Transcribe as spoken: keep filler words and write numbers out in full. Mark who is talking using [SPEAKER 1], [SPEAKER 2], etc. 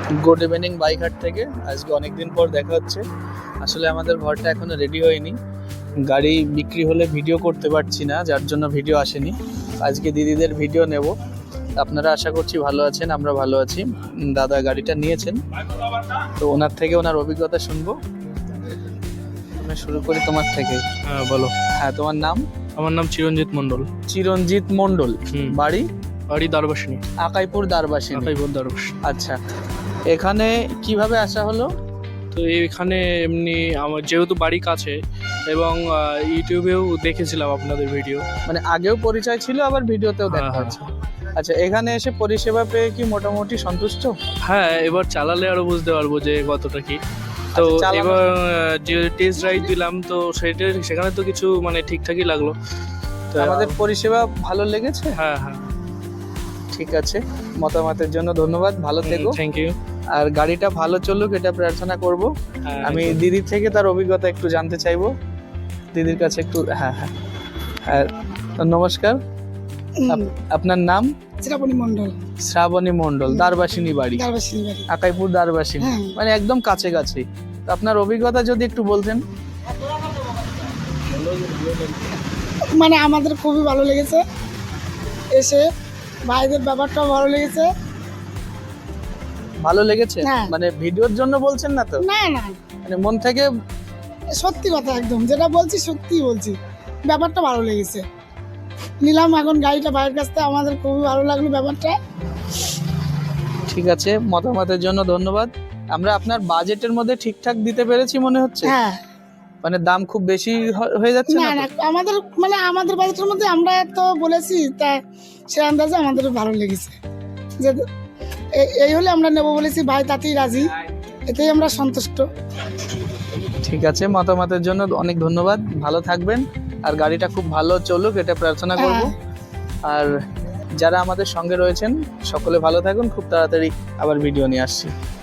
[SPEAKER 1] Good evening বাইকহাট থেকে। আজকে অনেক দিন পর দেখা হচ্ছে। আসলে আমাদের ঘরটা এখনো রেডি হয়নি, গাড়ি বিক্রি হলে ভিডিও করতে পারছি না, যার জন্য ভিডিও আসেনি। আজকে দিদিদের ভিডিও নেব। আপনারা আশা করছি ভালো আছেন, আমরা ভালো আছি। দাদা গাড়িটা নিয়েছেন, তো ওনার থেকে ওনার অভিজ্ঞতা শুনবো। আমি শুরু করি তোমার থেকে।
[SPEAKER 2] হ্যাঁ বলো।
[SPEAKER 1] হ্যাঁ, তোমার নাম?
[SPEAKER 2] আমার নাম চিরঞ্জিত মণ্ডল।
[SPEAKER 1] চিরঞ্জিত মণ্ডল।
[SPEAKER 2] হুম।
[SPEAKER 1] বাড়ি?
[SPEAKER 2] বাড়ি দ্বারবাসিনী।
[SPEAKER 1] আকাইপুর দ্বারবাসিনী।
[SPEAKER 2] আকাইপুর দ্বারবাসিনী।
[SPEAKER 1] আচ্ছা, এখানে কিভাবে আসা হলো?
[SPEAKER 2] তো এখানে এমনি আমার যেহেতু বাড়ি কাছে এবং আহ, ইউটিউবেও দেখেছিলাম আপনাদের ভিডিও।
[SPEAKER 1] মানে আগেও পরিচয় ছিল, আবার ভিডিওতেও দেখা
[SPEAKER 2] হ্যাঁ, হ্যাঁ।
[SPEAKER 1] হচ্ছে। আচ্ছা, এখানে এসে পরিষেবা পেয়ে কি মোটামুটি সন্তুষ্ট?
[SPEAKER 2] হ্যাঁ, এবার চালালে আরো বুঝতে পারবো যে কতটা কি। তো
[SPEAKER 1] আচ্ছা, চালানো-
[SPEAKER 2] এবার আহ, যে টেস্ট রাইড দিলাম, তো সেটা সেখানে তো কিছু মানে ঠিকঠাকই লাগলো। তো
[SPEAKER 1] আমাদের পরিষেবা ভালো লেগেছে?
[SPEAKER 2] হ্যাঁ হ্যাঁ,
[SPEAKER 1] ঠিক আছে, মতামতের জন্য ধন্যবাদ, ভালো থেকো।
[SPEAKER 2] Thank you.
[SPEAKER 1] আর গাড়িটা ভালো চলুক এটা প্রার্থনা করব। আমি দিদির থেকে তার অভিজ্ঞতা একটু জানতে চাইবো, দিদির কাছে একটু। হ্যাঁ হ্যাঁ আর নমস্কার, আপ- আপনার নাম?
[SPEAKER 3] শ্রাবণী মণ্ডল,
[SPEAKER 1] শ্রাবণী মণ্ডল, দ্বারবাসিনী বাড়ি,
[SPEAKER 3] দ্বারবাসিনী বাড়ি।
[SPEAKER 1] আকাইপুর দ্বারবাসিনী,
[SPEAKER 3] হ্যাঁ।
[SPEAKER 1] মানে একদম কাছে কাছে। তো আপনার অভিজ্ঞতা যদি একটু বলতেন।
[SPEAKER 3] মানে আমাদের খুবই ভালো লেগেছে এসে, ভাইদের ব্যাপারটাও ভালো লেগেছে।
[SPEAKER 1] ভালো লেগেছে?
[SPEAKER 3] হ্যাঁ।
[SPEAKER 1] মানে ভিডিওর জন্য বলছেন না তো?
[SPEAKER 3] না না,
[SPEAKER 1] মানে মন থেকে?
[SPEAKER 3] সত্যি কথা, একদম যেটা বলছি সত্যিই বলছি, ব্যাপারটা ভালো লেগেছে। নিলাম এখন গাড়িটা ভাইয়ের কাছ থেকে, আমাদের খুবই ভালো লাগলো ব্যাপারটা।
[SPEAKER 1] ঠিক আছে, মতামতের জন্য ধন্যবাদ। আমরা আপনার বাজেটের মধ্যে ঠিকঠাক দিতে পেরেছি মনে হচ্ছে?
[SPEAKER 3] হ্যাঁ।
[SPEAKER 1] মানে দাম খুব বেশি হ- হয়ে যাচ্ছে
[SPEAKER 3] না
[SPEAKER 1] না
[SPEAKER 3] না,
[SPEAKER 1] তো?
[SPEAKER 3] আমাদের মানে আমাদের বাজেটের মধ্যে আমরা তো বলেছি, তা সে আন্দাজে আমাদের ভালো লেগেছে। যে এ- এই হলে আমরা নেবো বলেছি, ভাই তাতেই রাজি, এতেই আমরা সন্তুষ্ট।
[SPEAKER 1] ঠিক আছে, মতামতের জন্য অনেক ধন্যবাদ, ভালো থাকবেন। আর গাড়িটা খুব ভালো চলুক এটা প্রার্থনা করব।
[SPEAKER 3] হ্যাঁ।
[SPEAKER 1] আর যারা আমাদের সঙ্গে রয়েছেন সকলে ভালো থাকুন, খুব তাড়াতাড়ি আবার ভিডিও নিয়ে আসছি।